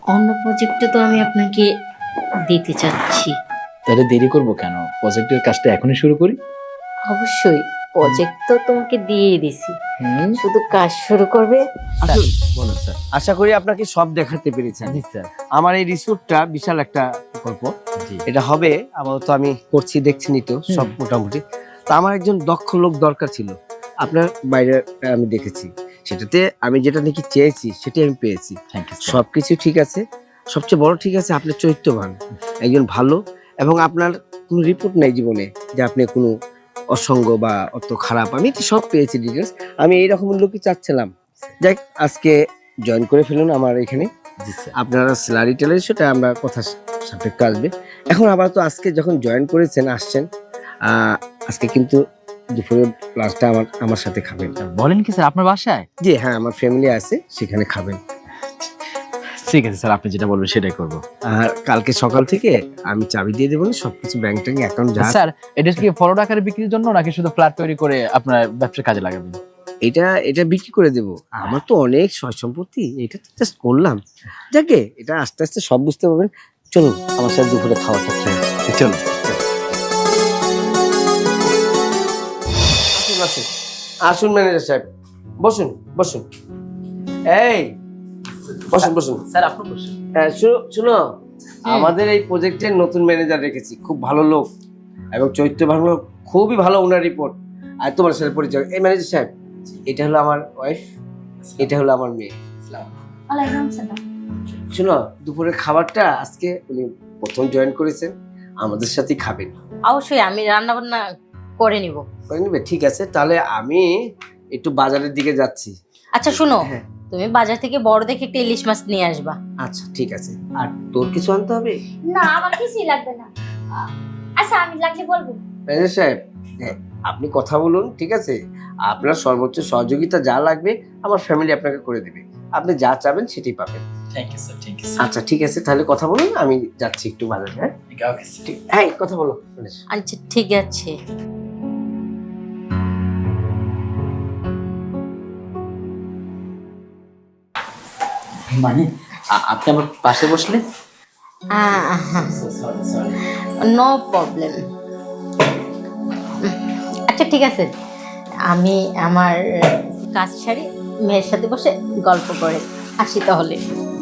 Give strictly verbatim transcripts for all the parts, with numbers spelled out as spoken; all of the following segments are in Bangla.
অন্য প্রজেক্টে তো আমি আপনাকে দিতে চাচ্ছি। তাহলে দেরি করবো কেন? প্রজেক্টের কাজটা এখনই শুরু করি। অবশ্যই প্রজেক্ট তো তোমাকে দিয়েই দিছি, হুম, শুধু কাজ শুরু করবে। স্যার, বলুন স্যার। আশা করি আপনাকে সব দেখাতে পেরেছেন। জি স্যার। আমার এই রিসোর্টটা বিশাল একটা প্রকল্প। জি। এটা হবে আপাতত আমি করছি, দেখছিনি তো সব মোটামুটি। তা আমার একজন দক্ষ লোক দরকার ছিল। আপনার বাইরে আমি দেখেছি, সেটাতে আমি যেটা নাকি চেয়েছি সেটাই আমি পেয়েছি। Thank you sir. সবকিছু ঠিক আছে, সবচেয়ে বড় ঠিক আছে আপনার চরিত্রবান, একজন ভালো, এবং আপনার কোনো রিপোর্ট নাই জীবনে যে আপনি কোনো অসঙ্গ বা অত খারাপ। আমি তো সব পেয়েছি ডিটেলস। আমি এইরকম লোকই চাচ্ছিলাম। যাই হোক, আজকে জয়েন করে ফেলুন আমার এখানে। জি স্যার। আপনারা স্যালারি টেলারি সেটা আমরা কথা সাপেক্ষে আসবে। এখন আবার তো আজকে যখন জয়েন করেছেন আসছেন, আহ, আজকে কিন্তু দুপুরের লাঞ্চটা আমার আমার সাথে খাবেন। বলেন কি স্যার, আপনার বাসায়? জি হ্যাঁ, আমার ফ্যামিলি আছে, সেখানে খাবেন। ঠিক আছে স্যার, আপনি যেটা বলবেন সেটাই করবো। আর কালকে সকাল থেকে আমি চাবি দিয়ে দেবো, সবকিছু ব্যাংক ট্যাঙ্ক অ্যাকাউন্ট যা। স্যার, এটা কি ফরওয়ার্ড আকারে বিক্রির জন্য নাকি শুধু ফ্ল্যাট তৈরি করে আপনার ব্যবসার কাজে লাগাবেন? এটা এটা বিক্রি করে দেবো। আমার তো অনেক সয় সম্পত্তি, এটা তো জাস্ট করলাম। যাকে এটা আস্তে আস্তে সব বুঝতে পারবেন। চলুন আমার সাথে দুপুরে খাওয়াটা খেয়ে আসি। চলো। আসুন আসুন আসুন ম্যানেজার সাহেব, বসুন বসুন। এই বসুন বসুন। স্যার আপনি বসুন। হ্যাঁ, শুনো শুনো, আমাদের এই প্রজেক্টের নতুন ম্যানেজার রেখেছি, খুব ভালো লোক এবং চরিত্র ভালো, খুবই ভালো ওনার রিপোর্ট। আর তোমার সাথে পরিচয়, এই ম্যানেজার সাহেব, এটা হলো আমার ওয়াইফ, এটা হলো আমার মেয়ে। শুনো, দুপুরের খাবারটা আজকে উনি প্রথম জয়েন করেছেন, আমাদের সাথেই খাবেন। অবশ্যই আমি রান্না বান্না করে নিব। করে নেবে? ঠিক আছে, তাহলে আমি একটু বাজারের দিকে যাচ্ছি। আচ্ছা শুনো, হ্যাঁ। তুমি বাজার থেকে বড় দেখে একটা ইলিশ মাছ নিয়ে আসবা। আচ্ছা ঠিক আছে। আর তোর কিছু আনতে হবে? না, আমার কিছুই লাগবে না। আ- আচ্ছা, আমি লাগলে বলবো। ম্যানেজার সাহেব, হ্যাঁ, আপনি কথা বলুন, ঠিক আছে? আপনার সর্বোচ্চ সহযোগিতা যা লাগবে আমার ফ্যামিলি আপনাকে করে দেবে। আপনি যা চাবেন সেটাই পাবেন। Thank you sir, thank you আচ্ছা ঠিক আছে, তাহলে কথা বলুন, আমি যাচ্ছি একটু বাজারে। হ্যাঁ ওকে স্যার। ঠিক, হ্যাঁ কথা বলো। আচ্ছা ঠিক আছে। মানে আ- আপনি আমার পাশে বসলে? Sorry sorry. No problem. আচ্ছা ঠিক আছে, আমি আমার কাজ সারি মেয়ের সাথে বসে গল্প করে আসি তাহলে।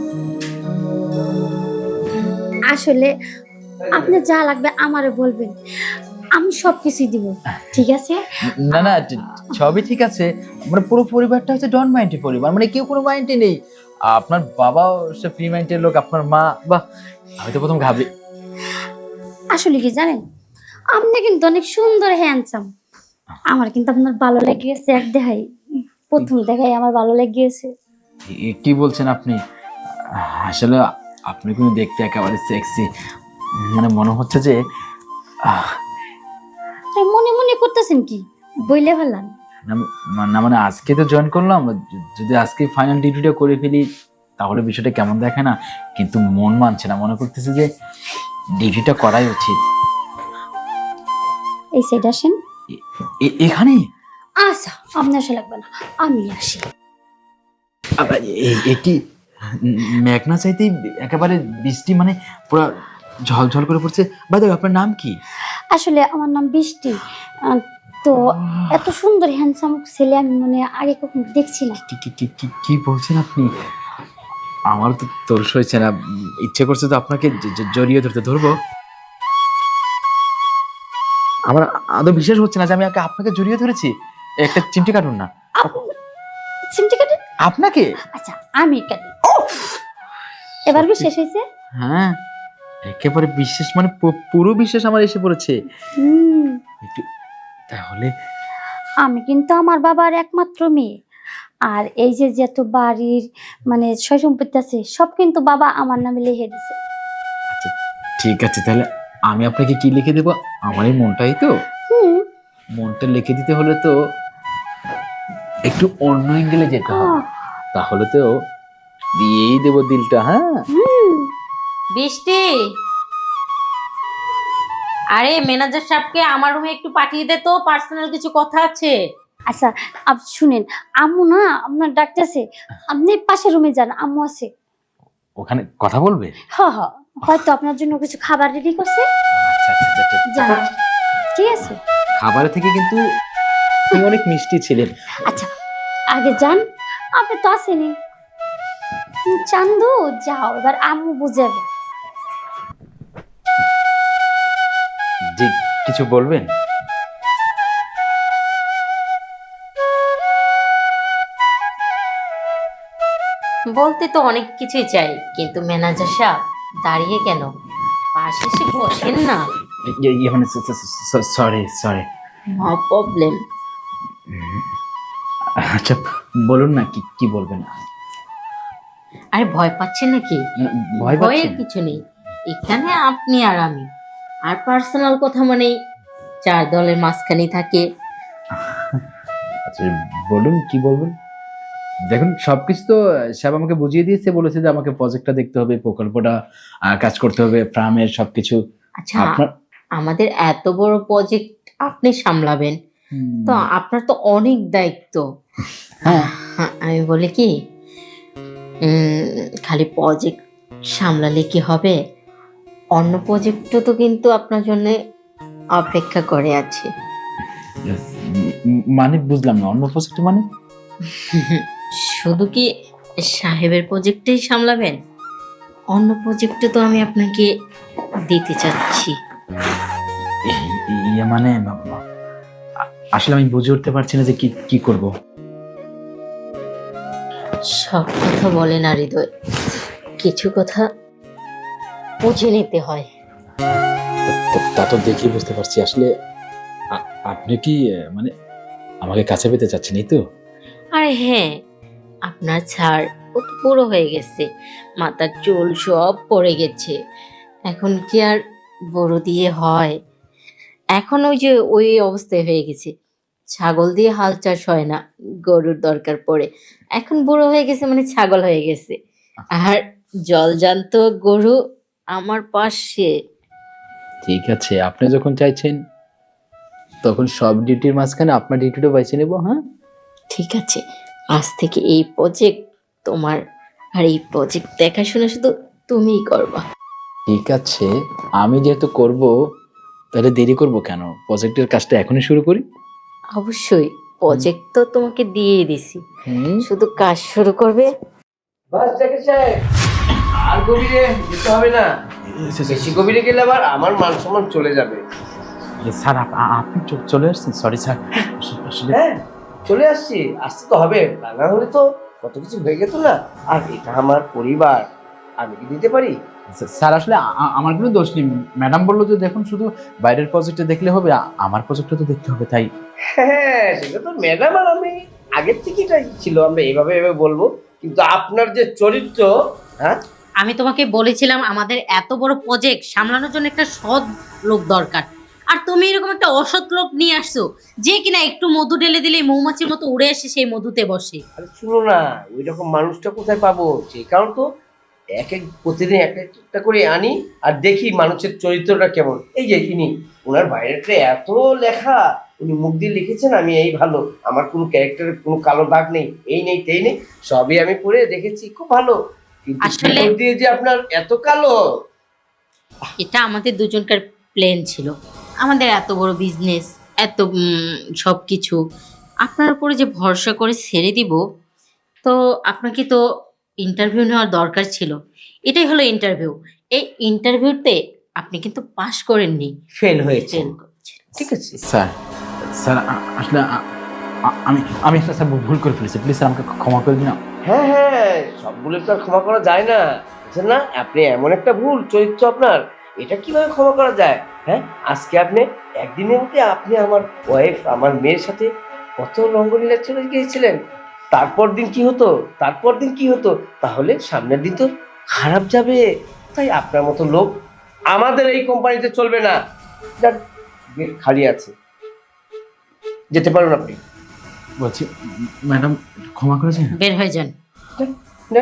আসলে আপনার যা লাগবে আমারে বলবেন, আমি সব কিছুই দিব। ঠিক আছে? না না, সবই ঠিক আছে। মানে পুরো পরিবারটা হচ্ছে ডন মাইন্ডের পরিবার, মানে কেউ কোনো মাইন্ডে নেই। আপনার বাবাও সে ফ্রি মাইন্ডের লোক, আপনার মা, বাহ, আমি তো প্রথম ঘাবড়ি। আসলে কি জানেন, আপনি কিন্তু অনেক সুন্দর হ্যান্ডসাম। আমার কিন্তু আপনার ভালো লেগে গেছে, এক দেখাই, প্রথম দেখাই আমার ভালো লেগে গেছে। এ কি বলছেন আপনি? আসলে আপনি কিন্তু দেখতে একেবারে সেক্সি, মানে মনে হচ্ছে যে আহ, তাই মনে মনে করতেছেন কি, বইলে ফেলান। না- না মানে আজকে তো জয়েন করলাম, য- যদি আজকে ফাইনাল ডিউটিটা করে ফেলি তাহলে বিষয়টা কেমন দেখে না, কিন্তু মন মানছে না, মনে করতেছে যে ডিউটিটা করাই উচিত। এই সাইড আসেন। এ- এ- এখানে আচ্ছা, আপনার সে লাগবে না, আমি আসি। আবার এ- এ কি মেঘনা চাইতেই একেবারে বৃষ্টি, মানে পুরো ঝলঝল করে পড়ছে। বাই দ্য ওয়ে, আপনার নাম কি? আসলে আমার নাম বৃষ্টি। আহ, তো এত সুন্দর হ্যান্ডসাম ছেলে আমি মানে আগে কখনো দেখছি না। কি কি কি- কি- কি বলছেন আপনি? আমার তো তোর হয়েছে না, ইচ্ছে করছে তো আপনাকে জ- জ- জড়িয়ে ধরতে। ধরবো? আমার আদৌ বিশ্বাস হচ্ছে না যে আমি আগে আপনাকে জড়িয়ে ধরেছি। একটা চিমটি কাটুন না। চিমটি কাটেন? আপনাকে? আচ্ছা, আমি কাটি। এবার শেষ হয়েছে? হ্যাঁ, একেবারে বিশ্বাস, মানে পু- পুরো বিশ্বাস আমার এসে পড়েছে। হুম, একটু তাহলে আমি কিন্তু আমার বাবার একমাত্র মেয়ে। আর এই যে যত বাড়ির মানে সয় সম্পত্তি আছে সব কিন্তু বাবা আমার নামে লিখে দিছে। আচ্ছা ঠিক আছে, তাহলে আমি আপনাকে কি লিখে দেবো? আমার এই মনটাই তো। হুম। মনটা লিখে দিতে হলে তো একটু অন্য অ্যাঙ্গেলে যেতে হবে, আহ, তাহলে তো দিয়েই দেবো দিলটা। হ্যাঁ হুম। বৃষ্টি, আরে ম্যানেজার সাহেবকে আমার রুমে একটু পাঠিয়ে দে তো, পার্সোনাল কিছু কথা আছে। আচ্ছা, আপ শুনেন, আম্মু না আপনার ডাকতেছে, আপনি পাশের রুমে যান, আম্মু আছে। ওখানে কথা বলবে? হ হ হয়তো আপনার জন্য কিছু খাবার রেডি করছে। আচ্ছা আচ্ছা আচ্ছা, আচ্ছা। যান, ঠিক আছে? খাবারের থেকে কিন্তু আপনি অনেক মিষ্টি ছিলেন। আচ্ছা আগে যান, আপনি তো আসেনি। চান্দু যাও, এবার আম্মু বুঝাবে। জি, কিছু বলবেন? বলতে তো অনেক কিছুই চাই, কিন্তু ম্যানেজার সাহেব দাঁড়িয়ে কেন, পাশে এসে বসেন না। ইয়ে, ইয়ে মানে সরি সরি। No problem. আচ্ছা বলুন না, কি কি বলবেন? আরে ভয় পাচ্ছেন নাকি? ভয় ভয়ের পাচ্ছেন? কিছু নেই, এখানে আপনি আর আমি, আর পার্সোনাল কথা মানেই চার দলের মাঝখানে থাকে। আচ্ছা বলুন, কি বলবেন? দেখুন সবকিছু তো সাহেব আমাকে বুঝিয়ে দিয়েছে, বলেছে যে আমাকে প্রজেক্টটা দেখতে হবে, প্রকল্পটা আহ, কাজ করতে হবে, ফার্মের সবকিছু। আচ্ছা আপনার আমাদের এত বড় প্রজেক্ট আপনি সামলাবেন, তো আপনার তো অনেক দায়িত্ব। হ্যাঁ হ্যাঁ, আমি বলি কি, উম, খালি প্রজেক্ট সামলালে কি হবে, অন্য প্রজেক্টও তো কিন্তু আপনার জন্য অপেক্ষা করে আছে। উম, মানে বুঝলাম না, অন্য প্রজেক্ট মানে? শুধু কি সাহেবের প্রজেক্টেই সামলাবেন? অন্য প্রজেক্টে তো আমি আপনাকে দিতে চাচ্ছি। ইয়ে মানে আ- আসলে আমি বুঝে উঠতে পারছি না যে কি কি করব। সব কথা বলে না হৃদয়, কিছু কথা বুঝে নিতে হয়। তা- তা তো দেখি বুঝতে পারছি। আসলে আ- আপনি কি আহ, মানে আমাকে কাছে পেতে চাচ্ছেন, এই তো? আরে হ্যাঁ, আপনার ছাড় ও তো পুরো হয়ে গেছে, মাথার চুল সব পড়ে গেছে, এখন কি আর বড় দিয়ে হয়? এখন ওই যে ওই অবস্থায় হয়ে গেছে, ছাগল দিয়ে হাল চাষ হয় না, গরুর দরকার পড়ে। এখন বুড়ো হয়ে গেছে মানে ছাগল হয়ে গেছে, আর জলজান্ত গরু আমার পাশে। ঠিক আছে, আপনি যখন চাইছেন তখন সব ডিউটির মাঝখানে আপনার ডিউটিটা বেছে নেব। হ্যাঁ ঠিক আছে, আজ থেকে এই প্রজেক্ট তোমার, আর এই প্রজেক্ট দেখাশোনা শুধু তুমিই করবা। ঠিক আছে, আমি যেহেতু করব তাহলে দেরি করব কেন? প্রজেক্টের কাজটা এখনই শুরু করি। অবশ্যই, প্রজেক্ট তো তোমাকে দিয়েই দিছি, হুম শুধু কাজ শুরু করবে। বাস জাকির সাহেব, আর গভীরে যেতে হবে না। বেশি গভীরে গেলে আবার আমার মান সম্মান চলে যাবে। স্যার আপ- আ- আপনি চ- চলে আসছেন? সরি স্যার, আসলে- আসলে হ্যাঁ চলে আসছি, আসতে তো হবে, তা না হলে তো কত কিছু হয়ে যেত না। আর এটা আমার পরিবার, আমি কি দিতে পারি? স্যার আসলে আ- আ- আমার কোনো দোষ নেই। ম্যাডাম বললো যে দেখুন শুধু বাইরের প্রজেক্টে দেখলে হবে, আ- আমার প্রজেক্টটা তো দেখতে হবে, তাই। হ্যাঁ সেটা তো ম্যাডাম আর আমি আগের থেকেই এটাই ছিল, আমরা এভাবে এভাবে বলবো, কিন্তু আপনার যে চরিত্র, হ্যাঁ আমি তোমাকে বলেছিলাম আমাদের এত বড় প্রজেক্ট সামলানোর জন্য একটা সৎ লোক দরকার, আর তুমি এরকম একটা অসৎ লোক নিয়ে আসছো, যে কিনা একটু মধু ঢেলে দিলেই মৌমাছির মতো উড়ে এসে সেই মধুতে বসে। আরে শুনো না, ওই রকম মানুষটা কোথায় পাবো? সেই কারণ তো এক এক প্রতিদিন এক একটা করে আনি আর দেখি মানুষের চরিত্রটা কেমন। এই যে ইনি, ওনার বাইরেটা এত লেখা, উনি মুখ দিয়ে লিখেছেন আমি এই ভালো, আমার কোনো ক্যারেক্টারের কোনো কালো দাগ নেই, এই নেই তেই নেই, সবই আমি পড়ে দেখেছি, খুব ভালো। কিন্তু আসলে- ভিতর দিয়ে যে আপনার এত কালো। এটা আমাদের দুজনকার প্ল্যান ছিল, আমাদের এত বড় বিজনেস, এত সব কিছু আপনার উপরে যে ভরসা করে ছেড়ে দিব, তো আপনাকে তো ইন্টারভিউ নেওয়ার দরকার ছিল। এটাই হলো ইন্টারভিউ, এই ইন্টারভিউতে আপনি কিন্তু পাশ করেননি, ফেল হয়েছে, ফেল করছেন। ঠিক আছে। স্যার স্যার আ- আসলে আ- আ- আমি আমি একটা স্যার ভুল করে ফেলেছি, প্লিজ স্যার আমাকে ক্ষমা করে দিন। হ্যাঁ হ্যাঁ, সব ভুলের তো আর ক্ষমা করা যায় না, বুঝছেন না? আপনি এমন একটা ভুল চরিত্র আপনার, এটা কিভাবে ক্ষমা করা যায়? হ্যাঁ, আজকে আপনি একদিনের মধ্যে আপনি আমার ওয়াইফ, আমার মেয়ের সাথে কত রঙ্গলীলা চলে গিয়েছিলেন, তারপর দিন কি হতো, তারপর দিন কি হতো, তাহলে সামনের দিন তো খারাপ যাবে। তাই আপনার মতো লোক আমাদের এই কোম্পানিতে চলবে না। যাক, গেট খালি আছে, যেতে পারুন আপনি। বলছি ম্যাডাম ক্ষমা করেছেন? বের হয়ে যান। না,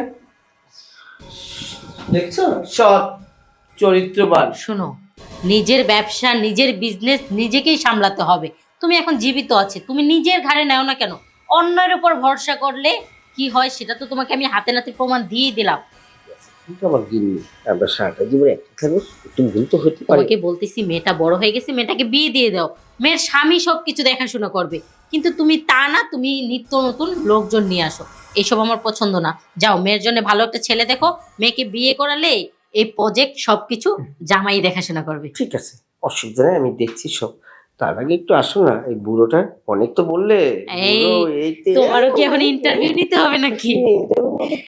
দেখছো, সৎ চরিত্রবান। শোনো, নিজের ব্যবসা নিজের বিজনেস নিজেকেই সামলাতে হবে। তুমি এখন জীবিত আছে, তুমি নিজের ঘাড়ে নাও না কেন, অন্যের উপর ভরসা করলে কি হয় সেটা তো তোমাকে আমি হাতে নাতে প্রমাণ দিয়ে দিলাম। কিন্তু আমার গিন্নি, আমরা সারাটা জীবনে একটা থাকবো, একটু ভুল তো হতে পারে। তোমাকে বলতেছি মেয়েটা বড় হয়ে গেছে, মেয়েটাকে বিয়ে দিয়ে দাও, মেয়ের স্বামী সবকিছু দেখাশোনা করবে। কিন্তু তুমি তা না, তুমি নিত্য নতুন লোকজন নিয়ে আসো, এসব আমার পছন্দ না। যাও মেয়ের জন্য ভালো একটা ছেলে দেখো, মেয়েকে বিয়ে করালে এই প্রজেক্ট সবকিছু জামাই দেখাশোনা করবে। ঠিক আছে, অসুবিধা নেই, আমি দেখছি সব। তার আগে একটু আসো না, এই বুড়োটা অনেক তো বললে। এই, বুড়ো, এইতে- তোমারও কি এখন ইন্টারভিউ নিতে হবে নাকি?